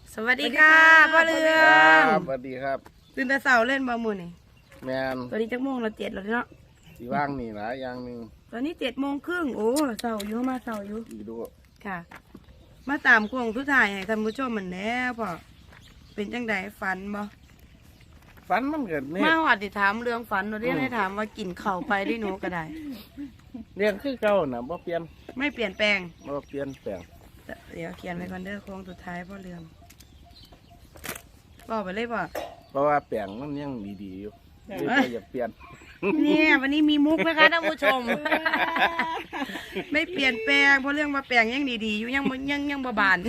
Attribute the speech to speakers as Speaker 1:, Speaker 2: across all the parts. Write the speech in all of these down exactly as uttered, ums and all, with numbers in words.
Speaker 1: สวัสดีค่ะพ่อเรือง
Speaker 2: สวัสดีครับ
Speaker 1: ตื่นแต่เช้าเล่นบอลมูนี่
Speaker 2: แมน
Speaker 1: ตอนนี้จักโมงเราเจ็ดแล้วเนาะ
Speaker 2: สีว่างนี่หลายอย่างหนึ่ง
Speaker 1: ตอนนี้เจ็ดโมงครึ่งโอ้เช้าอยู่มาเช้าอยู่
Speaker 2: อีดู
Speaker 1: ค่ะ มาตามกวงทุกท่ายให้ท่านผู้ชมเหมือนแน่พ่อเป็นจังไดฝันบ่
Speaker 2: ฝันมันเกิดเนี่ย
Speaker 1: มาหวัดติถามเรื่องฝันเราเรียกให้ถามว่ากินเข่าไปได้หนูก็ได้
Speaker 2: เรื่องคือเก่าน่ะบ่เปลี่ยน
Speaker 1: ไม่เปลี่ยนแปลง
Speaker 2: บ่เปลี่ยนแปลง
Speaker 1: เดี๋ยวเขียนไว้ก่อนเด้อโค้งสุดท้ายพ่อเรืองบอกไปเลยป่ะ
Speaker 2: เพราะว่าแปลงมันยังดีๆอยู่ไม่อยากเปลี่ยน
Speaker 1: เนี่ยวันนี้มีมุกนะคะท่านผู้ชม ไม่เปลี่ยนแปลงเพราะเรื่องมาแปลงยังดีๆอยู่ยังยังยังบาน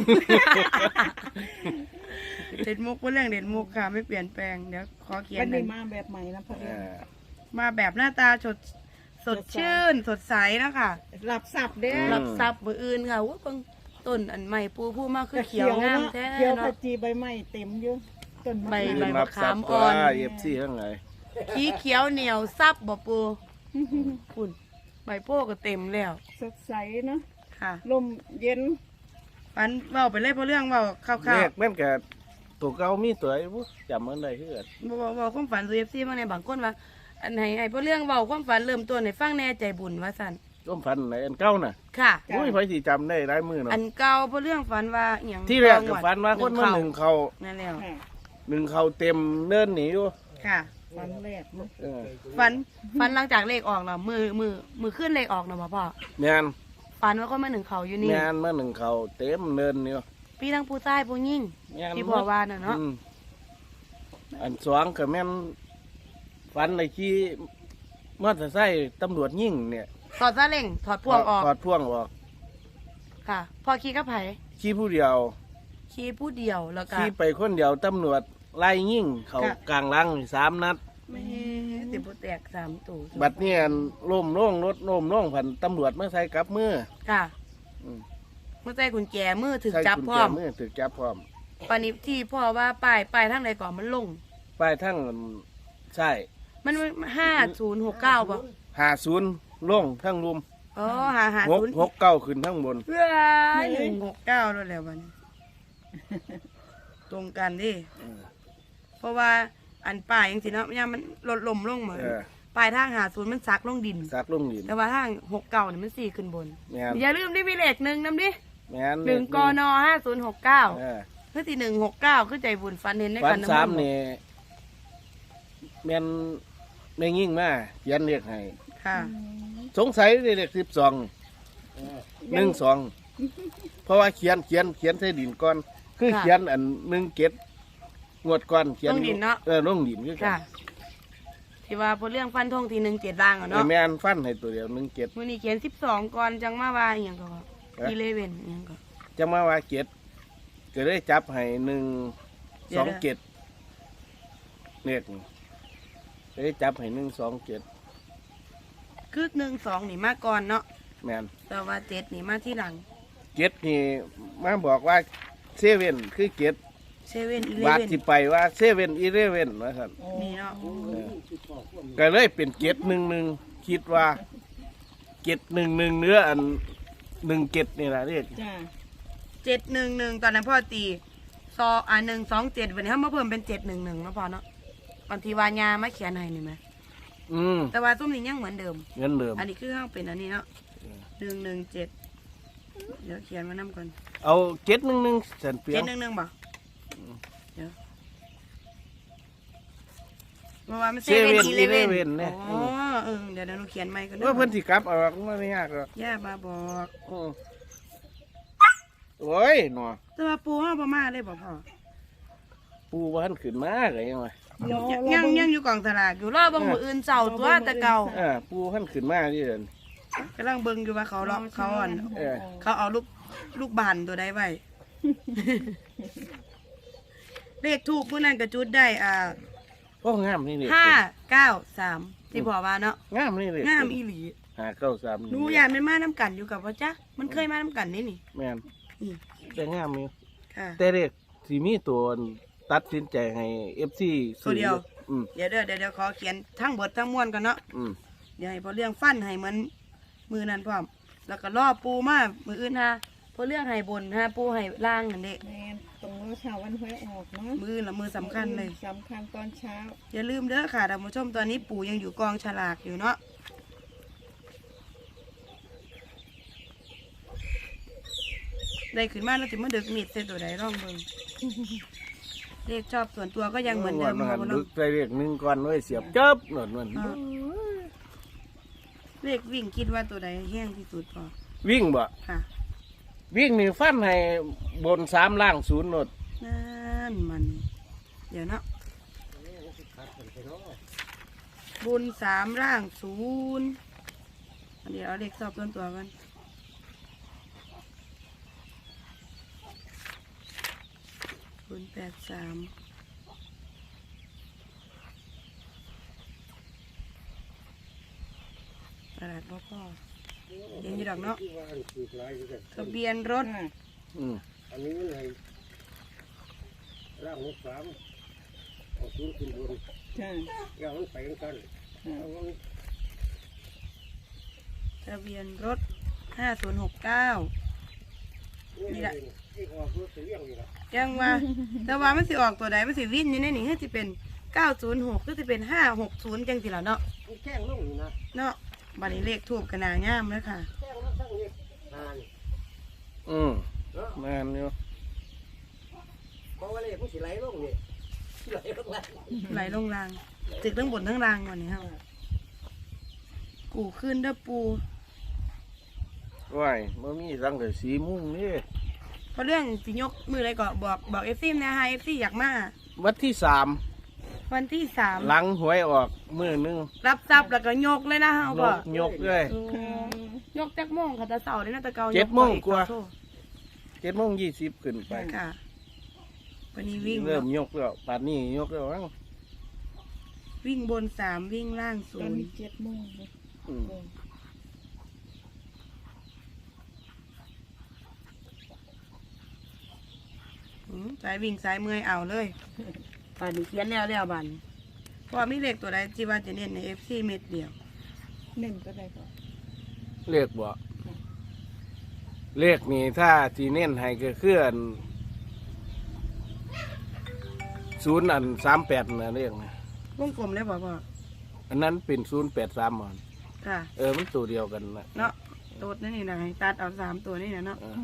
Speaker 1: เด็ดมุกเพราะเรื่องเด็ดมุกค่ะไม่เปลี่ยนแปลงเดี๋ยวขอเขียน
Speaker 3: วันนี้มาแบบใหม่นะพ่อเรือง
Speaker 1: มาแบบหน้าตาสดสดชื่นสดใสนะคะ
Speaker 3: หลับสับเด้อ
Speaker 1: หลับซับมืออื่นค่ะว่าเพิ่งต้นอันใหม่ปูผู้มากคือเขียวงามแท้
Speaker 3: เขียวขจีใบไม้เต็มเยอะต้น
Speaker 1: ใบใบมะขามอ่
Speaker 2: อ
Speaker 1: น
Speaker 2: เอฟซีข้างใน
Speaker 1: ขี้เขียวเหนียวซับบ่ปูคุณใบโป้ก็เต็มแล้ว
Speaker 3: สดใสเนาะ
Speaker 1: ค่ะ
Speaker 3: ลมเย็น
Speaker 1: ปันเบาไปเลยเพราะเรื่องเบาข้าวๆ
Speaker 2: เลขแม่นแกตัวเก่ามีตัวไอ้บุ๊จำมันได้คือกัน
Speaker 1: บ่บ่บ่ความฝันซูเอฟซีบางในบางคนว่าอันไหนไอ้เพราะเรื่องเบาความฝันเริ่มต้นในฟังแน่ใจบุญว่าสั่น
Speaker 2: ร่วมฝันไหนอันเก่าน่ะ
Speaker 1: ค่ะ
Speaker 2: อุ้ยไผสิจำได้หลายมือเนาะ
Speaker 1: อันเก่าเพราะเรื่องฝันว่าอย่าง
Speaker 2: ที่แรกก็ฝันว่าคนมาหนึ่งเขา
Speaker 1: นั่นแล้ว
Speaker 2: หนึ่งเขาเต็มเนินหนีอยู่
Speaker 1: ค่ะ
Speaker 3: ฝันแรก
Speaker 1: ฝันฝันหลังจากเลขออกแล้วมือมือมือขึ้นเลขออกเนาะพ่อ
Speaker 2: แม่น
Speaker 1: ฝันว่าคนมาหนึ่งเขาอยู่นี่
Speaker 2: แม่นมาหนึ่งเขาเต็มเนินนี่
Speaker 1: พี่ทั้งผู้ชายผู้หญิงที่พ่อว่าน่ะเนาะ
Speaker 2: อันสองก็แม่นฝันในที่มอเตอร์ไซค์ตำรวจยิงเนี่ย
Speaker 1: ถอดซาเล้งถอดพ่วงออก
Speaker 2: ถอดพ่วงออก
Speaker 1: ค่ะพอขี่กับไผ
Speaker 2: ขี่ผู้เดียว
Speaker 1: ขี่ผู้เดียวแล้วก็
Speaker 2: ขี่ไปคนเดียวตำรวจไล่ยิงเขากลางหลังสามนัด
Speaker 1: ไม่ติดโปแตกสามตัว
Speaker 2: บัดนี้ล่มล่งรถล่มล่งผันตำรวจมาใส่กับมือ
Speaker 1: ค่ะเมื่อใส่กุญแจมือถึงจับพร้อม
Speaker 2: มือถึงจับพร้อม
Speaker 1: ปานิที่พ่อว่าป้ายป้ายทั้งใดก่อนมันลง
Speaker 2: ป้ายทั้งใช่
Speaker 1: มันห้าศูนย์หกเก้าป่ะ
Speaker 2: ห้าศูนย์ล่งทั้งรุม
Speaker 1: อ๋อหาหาศูนย์
Speaker 2: หกเก้าขึ้นทั้งบน
Speaker 1: เพื่อหนึ่งหกเก้าแล้วแล้ววันนี้ตรงกันดิเพราะว่าอันป้ายยังสิเนาะเนี่ยมันลดลมลงเหมือนปลายทางหาศูนย์มันซักลงดิน
Speaker 2: ซักลงดิน
Speaker 1: แต่ว่าทางหกเก้าเนี่ยมันสี่ขึ้นบนอย่าลืมได้มีเลขหนึ่งนำดิหนึ่งกนห้าศูนย์หกเก้าเพื่อที่หนึ่งหกเก้าคือใจบุญฟันเห็นใน
Speaker 2: กันน้ำมันสามเนี่ยแม่นไม่ยิ่งมายันเรียกให้
Speaker 1: ค่ะ
Speaker 2: สงสัยเรียกสิบสองหนึ่งสองเพราะว่าเขียนเขียนเขียนใส่ดินก่อนคือเขียนอันหนึ่งเก็ดงวดก่อนเขียน
Speaker 1: ลงดินเนาะ
Speaker 2: เออลงดินคือกัน
Speaker 1: ที่ว่าพอเรื่องฟันทงทีหนึ่งเจ็ดล่างเนาะ
Speaker 2: แม่นฟันให้ตัวเดียวหนึ่งเจ็ด
Speaker 1: มื่อนี้เขียนสิบสองก่อนจังมาว่าอย่างก็อีเลเว่นอย่างก็
Speaker 2: จังมาว่าเจ็ดก็ได้จับให้หนึ่งสองเจ็ดเนี่ยได้จับให้หนึ่งสองเจ็ด
Speaker 1: คือหนึ่งสองนี่มาก่อนเนาะ
Speaker 2: แม่น
Speaker 1: แต่ว่าเจ็ดนี่มาที่หลัง
Speaker 2: เจ็ดนี่มาบอกว่าเซเว่นคือเจ็ด
Speaker 1: เซเว่นอีเล
Speaker 2: เว่นบาท
Speaker 1: ที่
Speaker 2: ไปว่าเซเว่นอีเลเว่นนะครับ
Speaker 1: นี่เนาะ
Speaker 2: ก็เลยเป็นเจ็ดหนึ่งหนึ่งคิดว่าเจ็ดหนึ่งหนึ่งเนื้ออันหนึ่งเจ็ดนี่แหละเรียก
Speaker 1: เจ็ดหนึ่งหนึ่งตอนนั้นพ่อตีซออ่าหนึ่งสองเจ็ดวันนี้เขามาเพิ่มเป็นเจ็ดหนึ่งหนึ่งแล้วพอเนาะบางทีวายามาเขียนให้นี่ไหม
Speaker 2: อืม
Speaker 1: แต่ว่าตุ้มนี้ยังเหมือนเดิม
Speaker 2: เหมือนเดิม
Speaker 1: อันนี้คือห้างเป็นอันนี้เนาะหนึ่งหนึ่งเจ็ดเดี๋ยวเขียนมาน้ำก่อน
Speaker 2: เอาเจ็ดหนึ่งหนึ่งเส้นเปีย
Speaker 1: เจ็ดหนึ่งหนึ่งบ่เดี๋ยวเมื่อวานมันเซเว่นอีเลเว่นเนี่ยอ๋อเออเดี๋ยวเดี๋ยวหนูเขียนใหม่กัน
Speaker 2: ว่าเพิ่นสิกลับเอาไม่ยากหรอก
Speaker 1: ย่ามาบอก
Speaker 2: โอ้ยหนอ
Speaker 1: แต่ว่าปูห้าประมาได้บ่พ่อ
Speaker 2: ปูว่าท่านขึ้นมาไงยังไง
Speaker 1: ยังยังอยู่กล่องสลากอยู่รอบบางมืออื่นเจ้าตัวแต่เก่า
Speaker 2: อ่าปูท่านขึ้นมาที่เดิน
Speaker 1: กำลังเบิ่งอยู่ว่าเขาล็อกเขาอ่อนเขาเอาลูกลูกบานตัวใดไว้เลขถูกเมื่อนั้นกระจุดได้อ่า
Speaker 2: โอ้งามนี่เลย
Speaker 1: ห้าเก้าสามที่พ่อว่าเนาะ
Speaker 2: งามนี่เลย
Speaker 1: งามอีหลี
Speaker 2: ห้าเก้าสาม
Speaker 1: หนูอยากเป็นมาน้ำกันอยู่กับพ่อจ๊ะมันเคยมาน้ำกันนี่นี่
Speaker 2: แม่นแต่งามนี่
Speaker 1: ค่ะ
Speaker 2: แต่เด็กสีมีตัวตัดสินใจให้เอฟซี
Speaker 1: ตัวเดียวเดี๋ยวเดี๋ยวเดี๋ยวขอเขียนทั้งบททั้งมวลกันเนาะเดี๋ยวให้พอเรื่องฟันให้เหมือนมือนั้นพร้อมแล้วก็ล่อปูมามืออื่นฮะเพราะเรื่องไห้บนฮะปูไห้ล่างนั่นเด็
Speaker 3: แม่นตรงเช้าวันหวยออกเนาะ
Speaker 1: มือละมือสำคัญเลย
Speaker 3: สำคัญตอนเช้า
Speaker 1: อย่าลืมเด้อค่ะท่านผู้ชมตอนนี้ปู่ยังอยู่กองฉลากอยู่เนาะได้ขึ้นมาแล้วจะมาดึกมิดเส้นตัวใดร่องเบิ่งเลขชอบส่วนตัวก็ยังเหมือนเดิม
Speaker 2: หั
Speaker 1: ค่ะ
Speaker 2: น
Speaker 1: พ่อ
Speaker 2: ดึ
Speaker 1: เนาะ
Speaker 2: กไปเรียกหนึ่งก่อนไว้เสียบจับหน่อยมัน
Speaker 1: อ่าเลขวิ่งคิดว่าตัวใดแห้งที่สุดพอ
Speaker 2: วิ่งบ่
Speaker 1: ค่ะ
Speaker 2: วิ่งนี่ฟันให้บนสามล่างศูนย์หนด
Speaker 1: นั่นมัน เดี๋ยวเนาะบุญสามร่างศูนย์อันเดี๋ยวเอาเลขชอบส่วนตัวกันบุญแปดสามตลาดพ่อพ่อเยังอยู่ดอกเนาะทะเบียนรถ
Speaker 3: ค่ะ
Speaker 2: อืม
Speaker 4: อันนี้มันให้ร่างหกสามเอาศูนย์ขึ้นบน
Speaker 3: ค่ะ
Speaker 4: อย่ามันไปกัน
Speaker 3: ค่ะ
Speaker 4: เอามัน
Speaker 1: ทะเบียนรถห้าศูนย์หกเก้า นี่แหละ
Speaker 4: ไอ้ออกรถเสียงนี่ละ
Speaker 1: ยังว่า แต่ว่ามันสิออกตัวใดมันสิวิ่นอยู่ในนี่คือสิเป็นเก้าศูนย์หกคือสิเป็นห้าหกศูนย์จังสิล่ะเนาะ
Speaker 4: มันแข้งลงนี่นะ
Speaker 1: เนาะบัดนี้เลขทูบกันนางามเลยค่ะ
Speaker 4: แข้งมันทั้งนี้นาน
Speaker 2: อืม
Speaker 4: เนาะ
Speaker 2: แม่นอยู่
Speaker 4: เพราะว่าเลยมันสิไหลลงนี่ไหลลงแล้ว
Speaker 1: ไหลลงรางตึกทั้งบนทั้งรางก่อนนี่ครับกูขึ้นเด้อปู
Speaker 2: ว้ายมันมีสังแต่สีมุ้งนี่
Speaker 1: เพราะเรื่องสิยกมืออะไรก็บอกบอกเอฟซีนะฮะเอฟซีอยากมา
Speaker 2: วันที่สาม
Speaker 1: วันที่สาม
Speaker 2: หลังหวยออกมือหนึง
Speaker 1: รับทรัพย์แล้วก็ยกเลยนะฮะ
Speaker 2: ย
Speaker 1: ก็
Speaker 2: กยกเลย
Speaker 1: ยกจักโมงค่ะแตะเสาร์นี่นะแตะเกา
Speaker 2: เจ็ดโมงกว่า
Speaker 1: โทษ
Speaker 2: เจ็ดโมงยี่สิบขึ้นไป
Speaker 1: ค่ะวันนี้วิ่ง
Speaker 2: เริ่ม
Speaker 1: เนาะ
Speaker 2: ยกแล้วป่านนี้ยกแล้วมั้ง
Speaker 1: วิ่งบนสามวิ่งล่างศู
Speaker 3: ตอน
Speaker 1: นย์
Speaker 3: นี้เจ็ดโมงเลย
Speaker 2: อืม
Speaker 1: อืมสายวิ่งสายเมื่อยเอาเลยป่านนี้เขียนแล้วแล้วบันเพราะว่ามีเลขตัวใดที่ว่าจะเน้นในเอฟซีเม็ดเดียว
Speaker 3: เน้นก็ได้ก็
Speaker 2: เลขบ่เลขนี่ถ้าที่เน้นให้ก็คืออันศูนย์อันสามแปดนะเลขนะ
Speaker 1: วงกลมเลยบอกว่า
Speaker 2: อันนั้นเป็นศูนย์แปดสามมัน
Speaker 1: ค่ะ
Speaker 2: เออมันตัวเดียวกันนะ
Speaker 1: เนาะโดดนั่นนี่นะให้ตัดเอาสามตัวนี่นะเนาะ
Speaker 2: เออ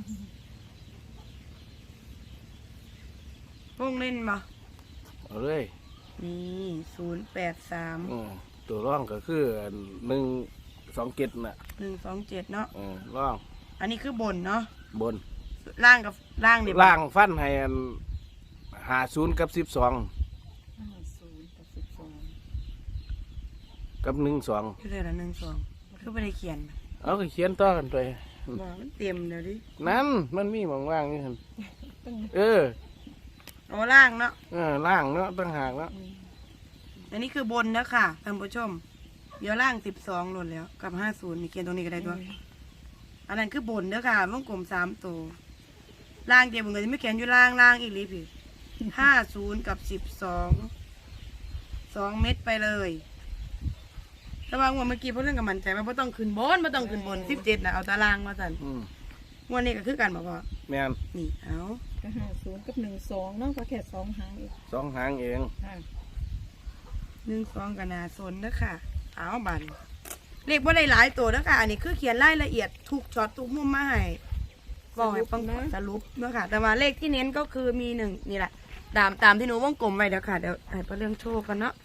Speaker 1: วงเล่นมา
Speaker 2: เอาเลย
Speaker 1: นี่ศูนย์แปดสาม
Speaker 2: อืมตัวร่องก็คืออันหนึ่งสองเจ็ดน่ะ
Speaker 1: หนึ่งสองเจ็ดเนาะ
Speaker 2: เออร่อง
Speaker 1: อันนี้คือบนเนาะ
Speaker 2: บน
Speaker 1: ล่างกับล่างเดี๋ยว
Speaker 2: ล่างฟันให้อันหาศูนย์กับสิบสอง
Speaker 3: ห้าศูนย์กับสิบสอง
Speaker 2: กับหนึ่งสอง
Speaker 1: คือเลยละหนึ่งสองคือไม่ได้เขียน
Speaker 2: เอาก็เขียนต่อกันไป
Speaker 1: บอกมันเต็มเดี๋ยวดิ
Speaker 2: นั่นมันมีหมองว่างนี่หั่นเออ
Speaker 1: โอ้ล่างเนาะ
Speaker 2: เออล่างเนาะตั้งหากเนาะ
Speaker 1: อันนี้คือบนนะค่ะท่านผู้ชม เดี๋ยวล่างสิบสองหล่นแล้ว กับห้าศูนย์นี่เขียนตรงนี้ก็ได้ด้วยอันนั้นคือบนเด้อค่ะวงกลมสามตัวล่างเดียวมึงก็จะไม่เขียนอยู่ล่างล่างอีกลีพี่ห้าศูนย์กับสิบสองสองเม็ดไปเลยแต่ว่างวดเมื่อกี้เพราะเรื่องกับมันใจว่าไม่ต้องขึ้นบนไม่ต้องขึ้นบนสิบเจ็ดนะเอาตารางมาสั่น
Speaker 2: อืม
Speaker 1: งวดนี้ก็คือกันบอกว่า
Speaker 2: แม่น
Speaker 1: นี่เอา
Speaker 3: ก็ห้าศูนย์กับหนึ่งสองเนาะก็แค่สองหางเอง
Speaker 2: สองหางเอง
Speaker 3: ค่ะ
Speaker 1: หนึ่งสองกับนาสนนะค่ะเอาบันเลขว่าได้หลายตัวนะค่ะอันนี้คือเขียนรายละเอียดทุกช็อตทุกมุมมาให้บอกให้ฟังสรุปเนาะค่ะ แต่ว่าเลขที่เน้นก็คือมีหนึ่งนี่แหละตามตามที่หนูวงกลมไว้เดี๋ยวค่ะเดี๋ยวให้ประเรื่องโชว์กันเนาะ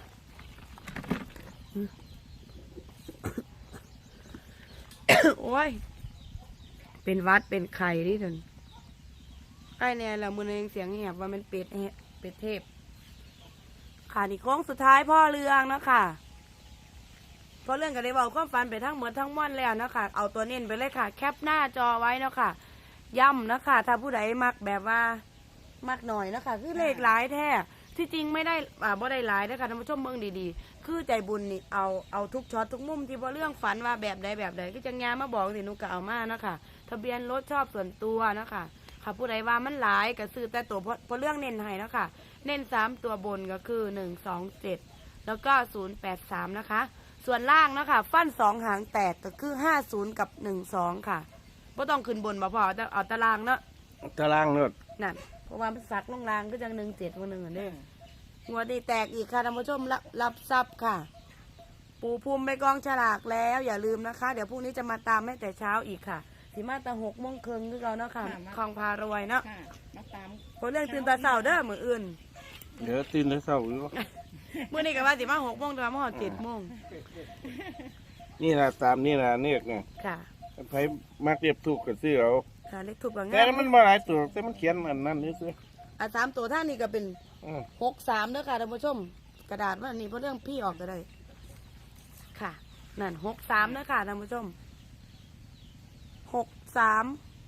Speaker 1: โอ้ย เป็นวัดเป็นไข่ดิท่านใกล้เนี่ยเรามือนึงเสียงแหบว่ามันเป็ดแหะเป็ดเทพค่ะนี่โค้งสุดท้ายพ่อเรืองเนาะค่ะพ่อเรื่องก็ได้บอกความฝันไปทั้งหมดทั้งม่อนแล้วเนาะค่ะเอาตัวเน้นไปเลยค่ะ แคปหน้าจอไว้เนาะค่ะย่ำเนาะค่ะถ้าผู้ใดมักแบบว่ามักหน่อยเนาะค่ะคือเลขหลายแท้ที่จริงไม่ได้อ่าบ่ได้หลายนะคะท่านผู้ชมเมืองดีๆคือใจบุญนี่เอาเอาทุกช็อตทุกมุมที่พ่อเรื่องฝันว่าแบบใดแบบใดก็จะงานมาบอกสิหนูก็เอามาเนาะค่ะทะเบียนรถชอบส่วนตัวเนาะค่ะค่ะผู้ใดว่ามันหลายก็ซื้อแต่ตัวเพราะเพราะเรื่องเน้นให้เนาะค่ะเน้นสามตัวบนก็คือหนึ่งสองเจ็ดแล้วก็ศูนย์แปดสามนะคะส่วนล่างเนาะค่ะฟันสองหางแตกก็คือห้าศูนย์กับหนึ่งสองค่ะบ่ต้องขึ้นบนบ่พอเอาแต่เอาตารางเนาะ
Speaker 2: ตารางเนาะ
Speaker 1: นั่นเพราะว่ามันสักลงรางก็จังหนึ่งเจ็ดวันหนึ่งอันเด้อหัวดีแตกอีกค่ะท่านผู้ชมรับรับทรัพย์ค่ะ ปูภูมิไปกองฉลากแล้วอย่าลืมนะคะ เดี๋ยวพรุ่งนี้จะมาตามให้แต่เช้าอีกค่ะสิมาแตาหกโมงครึ่งคือเราเนาะค่ะคลองพารวยเนาะ
Speaker 3: ค่ะมาตาม
Speaker 1: เพราะเรื่องตื่นตาเช้าเด้อมืออื่น
Speaker 2: เดี๋ยวตื่นแต่เช้าอยู่
Speaker 1: มื่อนี้ก็ว่าสิมาหกโมงแต่ว่ามาหอดเจ็ดโมง
Speaker 2: นี่ล่ะตามนี่ล่ะเนี่ยเนี่ย
Speaker 1: ค่ะ
Speaker 2: ไผมักเรียบถูกก็ซื้อเอา
Speaker 1: ค่ะเลขถูกบาง
Speaker 2: แต่
Speaker 1: งาน
Speaker 2: มันบ่หลายตัวแต่มันเขียนอันนั้นนี่ซื้อ
Speaker 1: อ่ะสามตัวท่านนี่ก็เป็น
Speaker 2: อือ
Speaker 1: หกสามเด้อค่ะท่านผู้ชม กระดาษว่านี่เพราะเรื่องพี่ออกก็ได้ ค่ะนั่นหกสามเด้อค่ะท่านผู้ชมหกสาม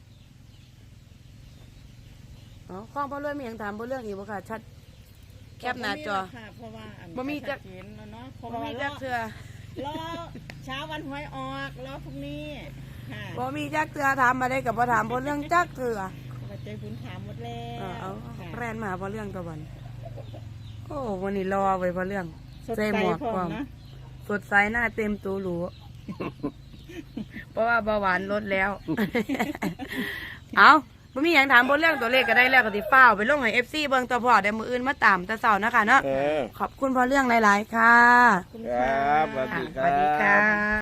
Speaker 1: อ๋อข้องพ่อรวยมีอย่างถามพ่อเรื่องอีกบ่ค่ะ ชัดแคปหน้าจอ
Speaker 3: ค่ะเพราะว่าอัน
Speaker 1: บ่มีจัก
Speaker 3: ชัดเจนแล้วเนาะเพราะ
Speaker 1: บ่
Speaker 3: ว่า
Speaker 1: มี
Speaker 3: ร
Speaker 1: จั
Speaker 3: อก
Speaker 1: เทือ
Speaker 3: รอเช้าวันหวยออกรอพรุ่งนี้ค่ะ
Speaker 1: บ่มีจักเทือถามมาได้กับบ่ถามพ่อเรื่องจักเทือ
Speaker 3: ปัจจัยพื้นถามหมดแล้
Speaker 1: เออ
Speaker 3: ว
Speaker 1: เอา
Speaker 3: ค่ะ
Speaker 1: แรนมาพ่อเรื่องตัววันโอ้วันนี้รอไว้พ่อเรื่อง
Speaker 3: สด
Speaker 1: ใส่
Speaker 3: ใส
Speaker 1: หมวก
Speaker 3: พร้อ
Speaker 1: พร้อ
Speaker 3: ม
Speaker 1: ม
Speaker 3: นะ
Speaker 1: สดใสหน้าเต็มตัวหรู เพราะว่าเบาหวานลดแล้ว เอาไม่มีอย่างถามบนเรื่องตัวเลขก็ได้แล้วก็ติฟ้าวไปลงให้เอฟซีเบิ่งตัวพอเดี๋ยวมืออื่นมาตามแตะเสานะคะเนาะ
Speaker 2: เออ
Speaker 1: ขอบคุณพอเรื่องหลาย ๆ ค่ะ
Speaker 3: คุณ
Speaker 2: ค
Speaker 3: ค่ะ
Speaker 2: รับสวัสดี
Speaker 1: สวัสดี
Speaker 2: ครั
Speaker 1: ค่ะ
Speaker 2: บ